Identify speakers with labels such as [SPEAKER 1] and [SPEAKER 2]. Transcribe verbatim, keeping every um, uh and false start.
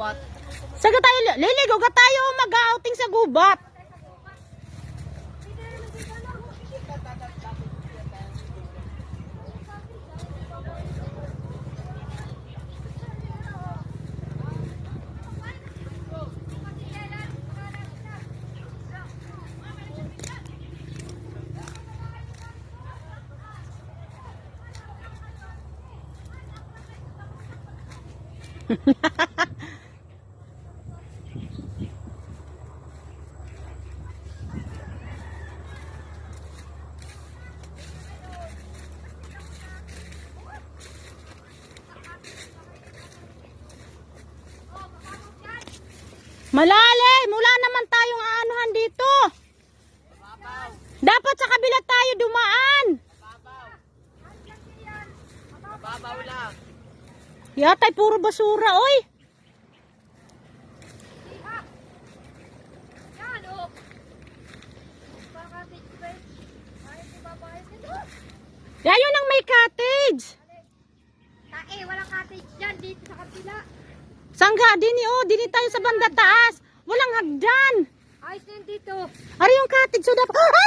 [SPEAKER 1] gubat.
[SPEAKER 2] Saga tayo, liligo ka tayo mag-outing sa gubat. Malalim, wala naman tayong aanuhan dito. Dapat sa kabila tayo dumaan.
[SPEAKER 1] Mababaw lang.
[SPEAKER 2] Yatay puro basura, oy. Yayo nang may cottage.
[SPEAKER 3] Tae, walang cottage dyan. Dito sa kapila.
[SPEAKER 2] Sangga, dini oh, dini tayo sa banda taas. Walang hagdan.
[SPEAKER 3] Ayos na yun dito.
[SPEAKER 2] Ari yung cottage, so dapat...